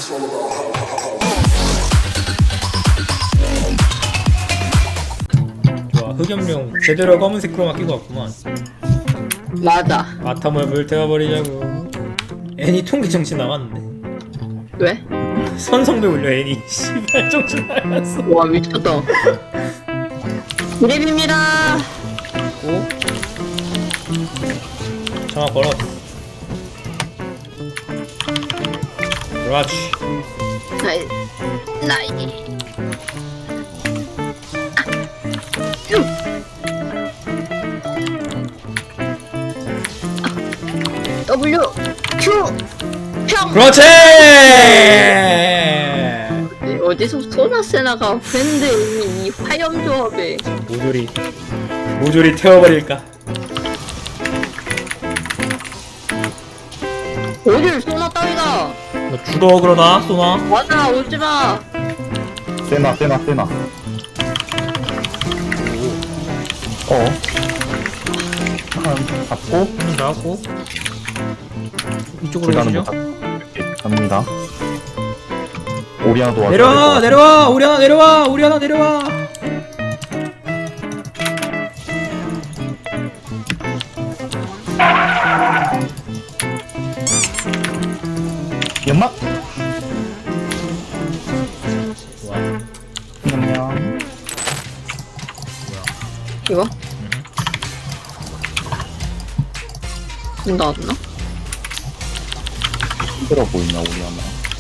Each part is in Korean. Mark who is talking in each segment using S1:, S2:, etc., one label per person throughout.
S1: 좋아, 흑염룡 제대로 검은색 크로마 끼고 왔구만.
S2: 맞아.
S1: 아탐을 불태워버리자고. 애니 통기 정신 나갔는데.
S2: 왜?
S1: 선성배 울려 애니. 씨발 정신 나갔어.
S2: 와 미쳤다. 이랩입니다.
S1: 오. 전화 걸어. 그렇지.
S2: 나이. W Q 평.
S1: 그렇지.
S2: 어디서 소나세나가 밴드 이 화염 조합에
S1: 모조리 태워버릴까.
S2: 어딜 소나 따위가.
S1: 너 주도 그러나 쏘나?
S2: 맞아 오지마.
S3: 세나. 한 잡고
S1: 한명 나왔고 이쪽으로
S3: 불가는
S1: 가시죠.
S3: 못 갑니다. 오리아도 와서
S1: 내려와 오리아나 내려와.
S3: 연막.
S1: 좋아.
S3: 안녕.
S2: 이거? 문 닫았나?
S3: 힘들어 보이냐 오리아나.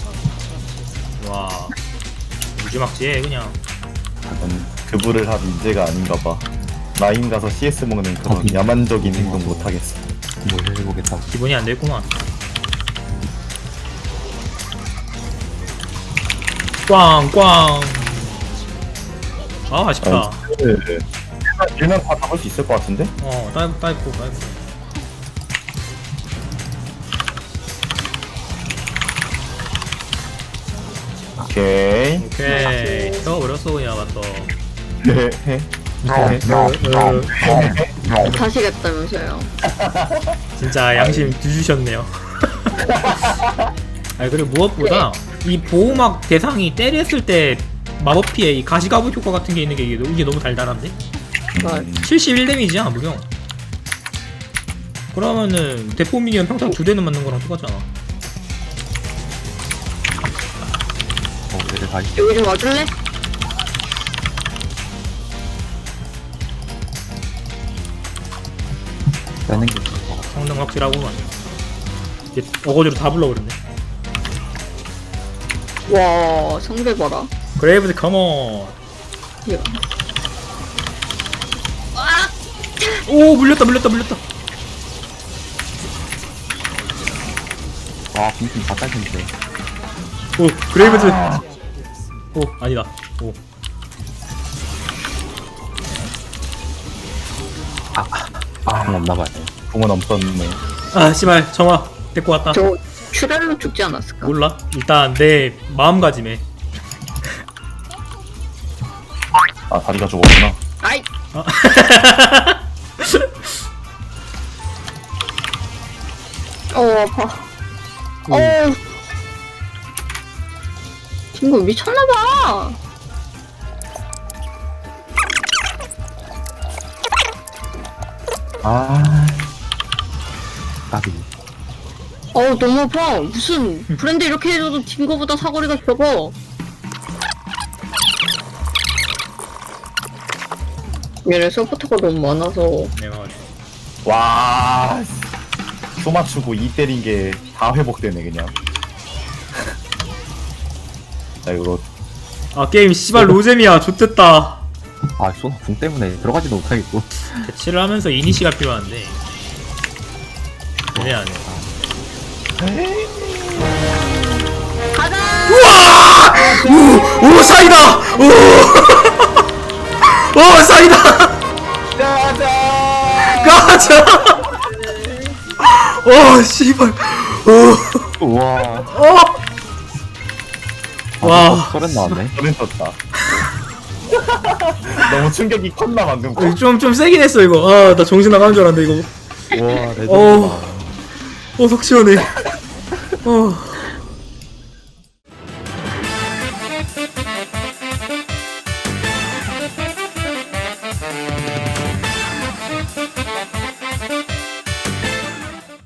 S1: 와 무지막지해 그냥.
S3: 약간 그부를 할 인재가 아닌가봐. 라인 가서 CS 먹는 그런 야만적인 행동 못하겠어.
S4: 뭘 해보겠다.
S1: 기분이 안 됐구만. 꽝꽝. 아 아쉽다.
S3: 일면 다 잡을 수 있을 것 같은데?
S1: 따입고.
S3: 오케이.
S1: 태워버렸어 그냥 맞어.
S3: 헤헤.
S2: 다시겠다면서요.
S1: 진짜 양심 뒤주셨네요. 아니 그리고 무엇보다 이 보호막 대상이 때렸을 때 마법 피해 이 가시가부 효과 같은 게 있는 게 이게 너무 달달한데? 71 데미지야 무려. 그러면은 대포 미니언 평타 2대는 맞는 거랑 똑같잖아.
S4: 얘들 다 있.
S2: 여기 좀 와줄래?
S4: 빼는 게 좋을 것 같아.
S1: 성능 확실하고만. 이제 어거지로 다 불러버렸네.
S2: 와 성배 봐라.
S1: 그레이브즈 컴온.
S2: 이거.
S1: 오 물렸다.
S4: 와, 빈틈 다 딸긴데.
S1: 오 그레이브즈. 오 아니다. 오.
S4: 공 없나봐요.
S3: 공은 없었네.
S1: 아 씨발 정화 데리고 왔다.
S2: 저 출혈로 죽지 않았을까?
S1: 몰라. 일단 내 마음가짐에.
S3: 아 다리가 죽었구나.
S2: 아이. 아파. 친구 미쳤나봐.
S4: 까비.
S2: 너무 아파. 무슨 브랜드 이렇게 해줘도 딩거보다 사거리가 적어. 얘네 서포터가 너무 많아서.
S1: 내가
S3: 와. 소 맞추고 이 때린 게 다 회복되네 그냥. 자 이거
S1: 게임 씨발 로잼이야. 좆됐다.
S4: 아, 쏘나 궁 때문에 들어가지도 못하겠고.
S1: 대치를 하면서 이니시가 필요한데 그래 안 해.
S2: 가자.
S1: 오 사이다. 오 사이다. 가자. 오 씨발.
S4: 우와.
S1: 와.
S4: 소렌 나왔네.
S3: 저는 떴다. 너무 충격이 컸나 방금.
S1: 좀 세긴 했어 이거. 나 정신 나가는 줄 알았는데 이거.
S4: 우와, 레전드다.
S1: 속 시원해.